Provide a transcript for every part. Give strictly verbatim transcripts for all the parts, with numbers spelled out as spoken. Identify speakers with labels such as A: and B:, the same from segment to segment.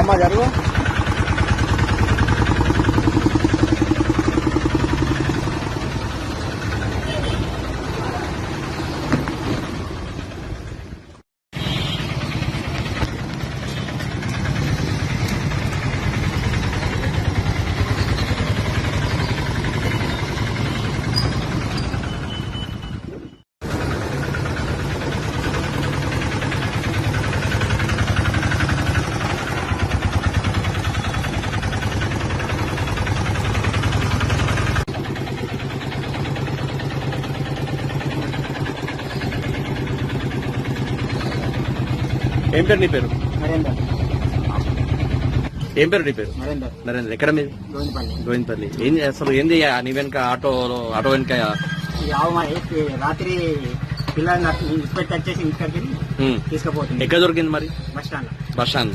A: అమ్మ జరుగు. ఏం పేరు నీ పేరు?
B: నరేందర్.
A: ఏం పేరు నీ పేరు?
B: నరేందర్.
A: నరేంద్ర. ఎక్కడ మీది?
B: గోవిందపల్లి.
A: గోవిందపల్లి. ఏం అసలు ఏంది నీ వెనక ఆటోలో ఆటో వెనక
B: రాత్రి పిల్లల్ని ఇన్స్పెక్ట్ వచ్చేసి ఇంటికి తీసుకుపోతుంది.
A: ఎక్కడ దొరికింది మరి?
B: Bus stand.
A: Bus stand.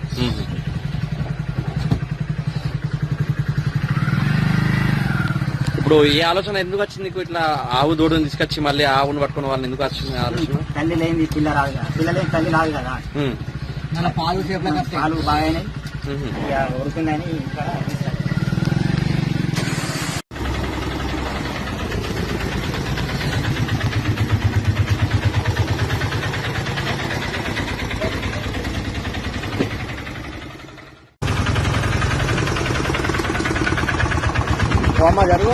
A: ఇప్పుడు ఈ ఆలోచన ఎందుకు వచ్చింది నీకు? ఇట్లా ఆవు దూడని తీసుకొచ్చి మళ్ళీ ఆవును పట్టుకున్న వాళ్ళని ఎందుకు వచ్చింది ఆలోచన?
B: తల్లి లేని పిల్ల రాదు కదా, పిల్లలేని తల్లి రాదు కదా. పాలు పాలు బాగానే ఉరుకుందని ఇంకా
A: అమ్మ జరుగు.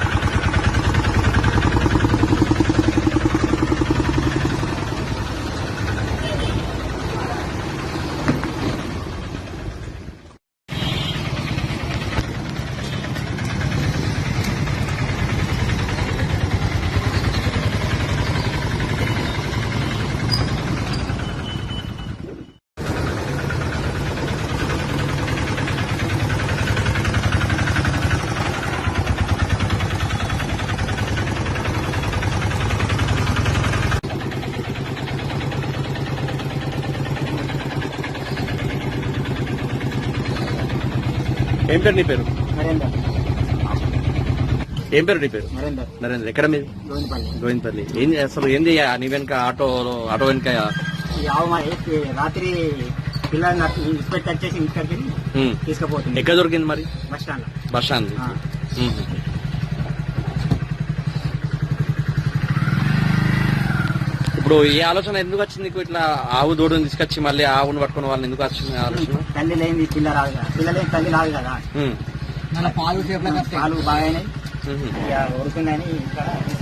A: ఏం పేరు నీ పేరు?
B: నరేందర్.
A: ఏం పేరు నీ పేరు?
B: నరేందర్.
A: నరేంద్ర. ఎక్కడ మీది?
B: గోవిందపల్లి.
A: గోవిందపల్లి. ఏం అసలు ఏంది నీ వెనక ఆటోలో ఆటో వెనక
B: రాత్రి పిల్లల్ని ఇన్స్పెక్ట్ వచ్చేసి ఇంటికి తీసుకుపోతుంది.
A: ఎక్కడ దొరికింది మరి?
B: Bus stand.
A: Bus stand. ఇప్పుడు ఈ ఆలోచన ఎందుకు వచ్చింది నీకు? ఇట్లా ఆవు దూడని తీసుకొచ్చి మళ్ళీ ఆవును పట్టుకున్న వాళ్ళని ఎందుకు వచ్చింది ఆలోచన?
B: తల్లి లేని పిల్ల రాదు కదా, పిల్లలేని తల్లి రాదు కదా. పాలు పాలు బాగానే ఉరుకుందని ఇంకా